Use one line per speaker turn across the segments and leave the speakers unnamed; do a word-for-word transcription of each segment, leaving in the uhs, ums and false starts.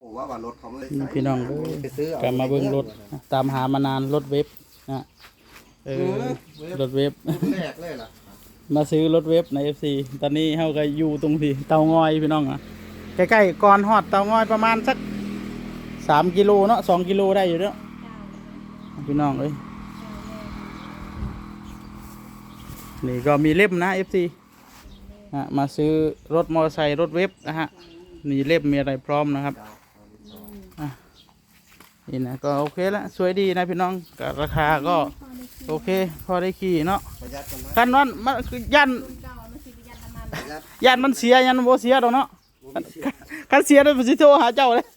ว่าว่ารถเขาไม่
พี่น้องไปซื้อกลับมาเบิ่งรถตามหามานานรถเว็บนะเออรถเว็บ
แรกเลยล่ะ
มาซื้อรถเว็บใน เอฟ ซี ตอนนี้เฮาก็อยู่ตรงที่เตางอยพี่น้องอ่ะใกล้ๆก่อนฮอดเตางอยประมาณสักสามกิโลเนาะสองกิโลได้อยู่เนาะพี่น้องเอ้ยนี่ก็มีเล่มนะ เอฟ ซี ฮะมาซื้อรถมอเตอร์ไซค์รถเว็บนะฮะมีเล่มมีอะไรพร้อมนะครับอ่ะนี่นะก็โอเคละสวยดีนะพี่น้องก็ราคาก็โอเคพอได้ขี่เนาะคันนั้นมันคือยันยันมันเสียยันโบเสียดอกเนาะคันเสียได้สิโทรหาเจ้าเลย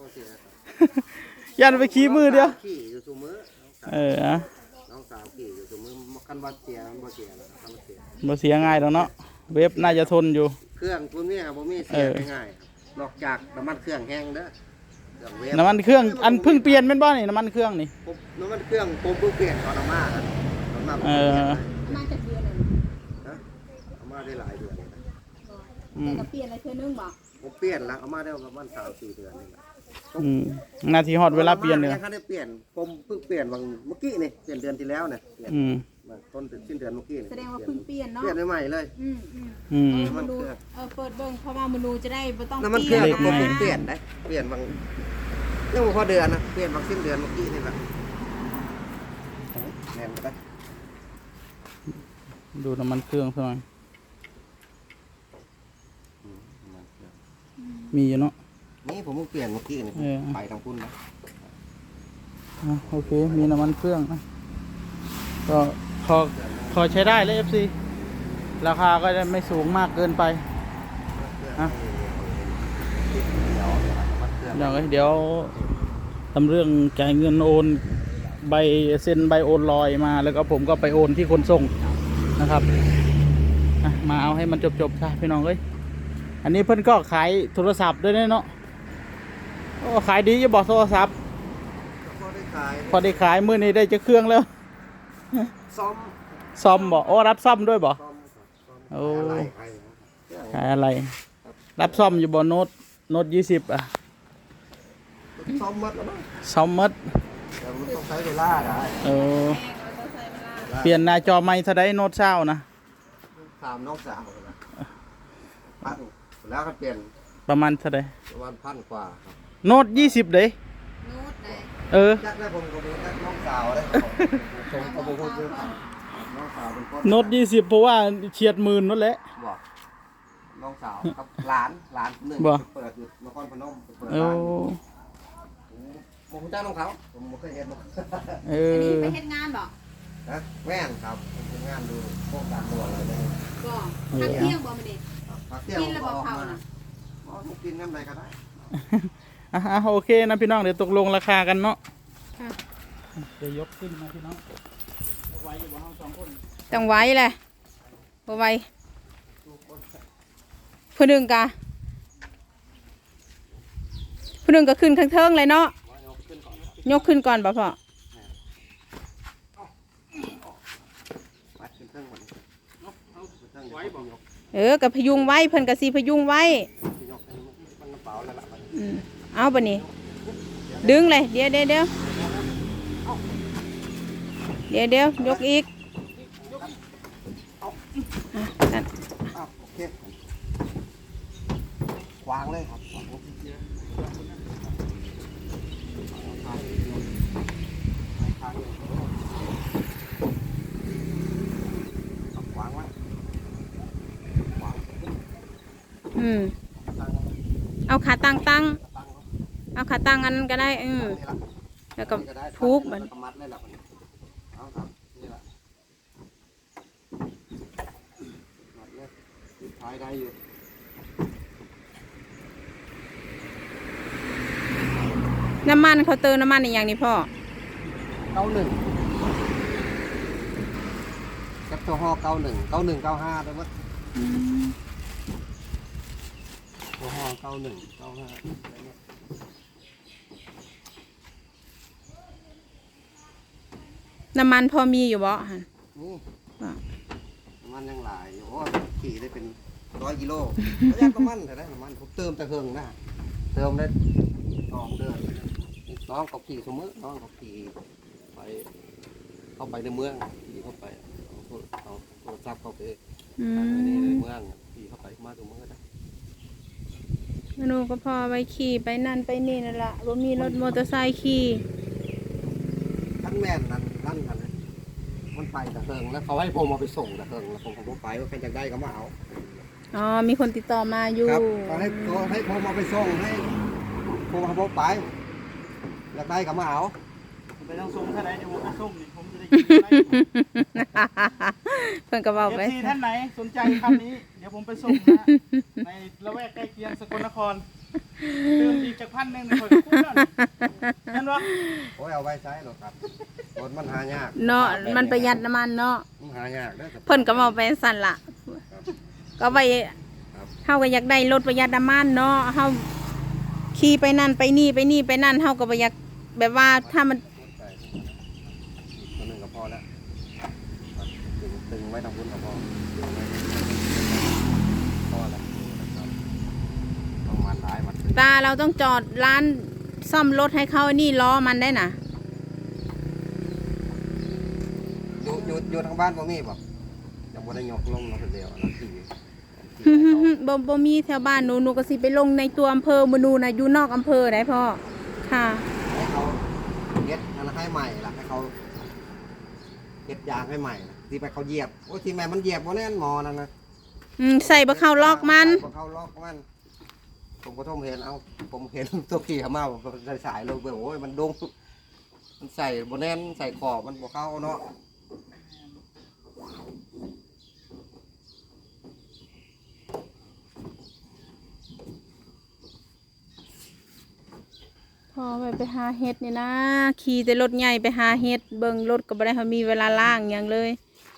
ยันไปขี่มือเดียวเออน้
องสาวขี่อยู่ตัวมือคันว่าเสียบ่เสียแล้วคันเสีย
บ่เสียง่ายดอกเนาะเว็บน่าจะทนอยู่
เครื่องพวกนี้บ่มีเสียง่ายนอกจากน้ำมันเครื่องแห้งเด้อ
น้ำมันเครื่องอันเพิ่งเปลี่ยนเป็นบ้านี่น้ำมันเครื่องนี่
น้ำมันเครื่องผมเพิ่งเปลี่ยนตอนเอามาครับเออ
มาจากเดือนเลย
นะเอามาได้หลายเดือน
แต่ก็เปลี่ยนอะไรเพื่อนนึงบอก
ผมเปลี่ยนแล้วเอามาได้ประมาณสามสี่เดือนนี่แหละ
นาทีฮอดเวลาเปลี่ยนเลย
เขาได้เปลี่ยนผมเพิ่งเปลี่ยนวันเมื่อกี้นี่เปลี่ยนเดือนที่แล้วเนี่ย
อืม
ต้นสิ้นเดือนเมื่อกี้
แสดงว่าเพิ่งเปลี่ยนเนาะ
เปลี่ยนใหม่เลย
อืม
อืม
น้ำมันเครื่องเออเปิดเบิ่งเพราะว่ามันดูจะได้ไม่ต้อง
น้ำมันเครื่องผมเปลี่ยนได้เปลี่ยนบางเรื่องพอเดือนนะเปลี่ยนบางสิ้นเดือนเมื่อกี้นี่แหละแน่นไป
ดูน้ำมันเครื่องสักหน่อยมีอยู่เนาะ
นี่ผมเพิ่งเปลี่ยนเมื่อกี้นี่ไปทางพุ่นนะ
โอเคมีน้ำมันเครื่องนะก็พอพอใช้ได้เลย เอฟ ซี ราคาก็จะไม่สูงมากเกินไปนะเดี๋ยวเดี๋ยวทำเรื่องจ่ายเงินโอนใบเซ็นใบโอนลอยมาแล้วก็ผมก็ไปโอนที่คนส่งนะครับมาเอาให้มันจบๆค่ะพี่น้องเอ้ยอันนี้เพิ่นก็ขายโทรศัพท์ด้วยเนาะโอ้ขายดีจะบอกโทรศัพท์พอได้ขายมื้อนี้ได้จะเครื่องแล้ว
ซ่อม
ซ่อมบ่โอ้รับซ่อมด้วยบ่โอ้ขายอะไรรับซ่อมอยู่บ่โน้ตโน้ตยี่สิบอ่ะ
ซ่อมมัดแล้วมั้ง
ซ่อมมัด
แต่มันต้องใช้เวลาได้
เออเปลี่ยนหน้าจอใหม่เท่าใดโน้ตเช้านะ
ถามน้องสาวนะพันแล้วก็เปลี่ยน
ประมาณเท่าใด
ประมาณพันกว่าครับ
โน้ตยี่สิบเด้
โน้ตไหน
เออ
จักได้ผมก็มีน้องสาวเลยผมก็บ่พูดเยอะน้องสาวเป็นคน
โน้ตยี่สิบเพราะว่าเฉียดหมื่นนั่นแหละ
บอกน้องสาวครับหลานหลานหนึ่งเปิดอยู่นครพนมเปิดร้านผมจ้างน้องเขาผมไม่เคยเห็นหรอก
เอ
อไปเฮ็ดงานบ่
นะแม่นครับเป็นงานดูโครงการตัวอะไรเลย
ก็พักเที่ยงบ่มาเด็ก
พักเที่ยงกินแล้วบ่เผานะบ่กินกันใดก็ได้
อ่ะโอเคนะพี่น้องเดี๋ยวตกลงราคากันเนาะเดี๋ยวยกขึ้นนะพี่น้องไว้อยู่บ่เฮาสองคน
ต้องไว้แหละบ่ไว้ผู้หนึ่งกะผู้หนึ่งก็ขึ้นข้างเทิงเลยเนาะยกขึ้นก่อนบ่พ่อเออกับพยุงไว้เพิ่นกับสีพยุงไว้เอาปะนี่ดึงเลยเดี๋ยวเดี๋ยวเดี๋ยวเดี๋ยวเดี๋ยวยกอีกนั่น
วางเลยครับวางไว้
อืมเอาขาตั้งตั้งเอาขาตั้งอันก็ได้อืมแล้วก็ทุบมันน้ำมันเขาเติมน้ำมันอีกอย่างนี้พ่อ
เก้าหนึ่งแคปตัวห่อเก้าหนึ่งเก้าหนึ่งเก้าห้าได้ไหมตัวห่อเก้าหนึ่งเก้าห้า
น้ำมันพอมีอยู่บ่ฮะ
นี่น้ำมันยังหลายอยู่โอ้ขี่ได้เป็นร้อยกิโลระยะน้ำมันแต่ได้น้ำมันผมเติมแต่เครื่องนะเติมได้สองเดือนน้องเขาขี่สมมติน้องเขาขี่ไปเข้าไปในเมืองขี่เข้าไปเอาโทรเอาโทรศัพท์เข้าไป
อื
ใน
ม
เมืองขี่เข้าไปมาตรงเมืองก็ได้
มนูก็พอไปขี่ไปนั่นไปนี่นั่นละบ่มีรถมอเตอร์ไซค์ขี่
ท่านแม่นนั่นนั่นกันเลยมันไปตะเฮิงแล้วเขาให้ผมเอาไปส่งตะเฮิงแล้วผมผมไปว่าใครจะได้ก็มาเอา
อ๋อมีคนติดต่อมาอยู่
ครับเขาให้เขาให้ผมเอาไปส่งให้ผมเอาผมไปอยากได้ก็มาเอา
ไปต้องส่งท่านไหนเดี๋ยวผมไปส่งนี่ผมจะได้กินอะไร
เพิ่นก็บอก
เอฟ
ไป
ซีท่านไหนสนใจคันนี้ เดี๋ยวผมไปส่งนะในละแวกใกล้เคียงสกลนครเติมอีกจากพันหนึ่งในคนคุ้มนั่นนั่นวะ
โอ้ยเอาไว้ใช้หรอกครับรถมันหายาก
เนาะมันประหยัดน้ำมันเนาะ
มันหายากเด้อครับ
เพิ่นก็บอกไปสั่นล่ะ ก็ไปเฮาก็อยากได้รถประหยัดน้ำมันเนาะเฮาขี่ไปนั่นไปนี่ไปนี่ไปนั่นเฮาก็บ่อยากแบบว่าถ้ามัน
ตัวหนึ่งก็พอแล้วตึงตึงไว้ทางบนก็พอพอแล้วนะครับต้องมันร้ายมัน
ตาเราต้องจอดร้านซ่อมรถให้เขานี่ล้อมันได้น่ะ
อยู่อยู่อยู่ทางบ้านบ่มีบ่ยังบ่ได้ยกลงมาคนเดียวนะขี่
ฮึฮึฮึบ่บ่มีแถวบ้านหนูหนูก็สิไปลงในตัวอำเภอมื้อนูน่ะอยู่นอกอำเภอได้พ่อค่ะ
ให้เขาเฮ็ดอันให้ใหม่ล่ะให้เขาเฮ็ดยางให้ใหม่ล่ะที่ไปเขาเหยียบโอ้ยที่แม่มันเหยียบบ่แน่นหมอนั่นนะ
อืมใส่บ่เข้าล็อกมัน
ใส่บ่เข้าล็อกมันผมก็ต้องเห็นเอาผมเห็นตัวขี่เขามาผมก็สายๆลงไปโอ้ยมันดงมันใส่บ่แน่นใส่ขอบมันบ่เข้าเนาะ
พอไปไปหาเฮ็ดนี่นะขี่แต่รถใหญ่ไปหาเฮ็ดเบิ่งรถก็บ่ได้เขามีเวลาล่างหยังเลย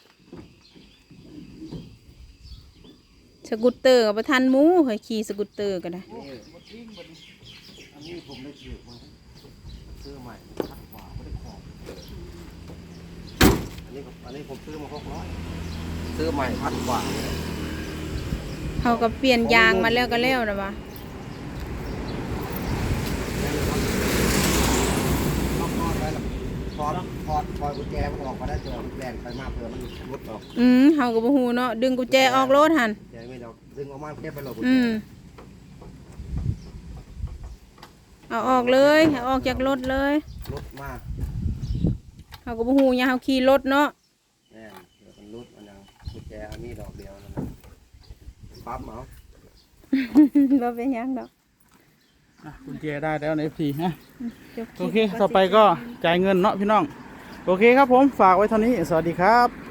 สกูตเตอร์ก็บ่ทันหมูเฮ้ยขี่สกูตเตอร์ก็ได้
นี่อันนี้ผมได้ซื้อมาซื้อใหม่พัดกว่าไม่ได้ขอบอันนี้ก็อันนี้ผมซื้อมาหกร้อยซื้อใหม่พัดกว่าเลย
เขาก็เปลี่ยนยางมาแล้วก็แล้วนะวะ
ล็อกคอไว้แล้วถอดถอดถอดกุญแจมันออกมาได้เจอมันแบนไปมากเผื่อมันรุดออก
อืมเขาก็บ่ฮู้เนาะดึงกุญแจออกรถหั่น
แจไม่ดอกดึงออกมาแค่ไปหลบกุญ
อื
แจ
มเอาออกเลยเอาออกจากรถเลย
รุดมาก
เขาก็บ่ฮู้หยังเขาขี่รถเนาะ
แน่เดี๋ยวมันรุดมันยังกุญแจอันนี้ดอกเดียวนั่นนะปั๊บเอา
บ่เป็นหยังดอก
อ่ะคุณเจได้แล้วในเอฟซีฮะ
จบลิป
โอเค ต่อไปก็จ่ายเงินเนาะพี่น้อง โอเคครับผม ฝากไว้เท่านี้ สวัสดีครับ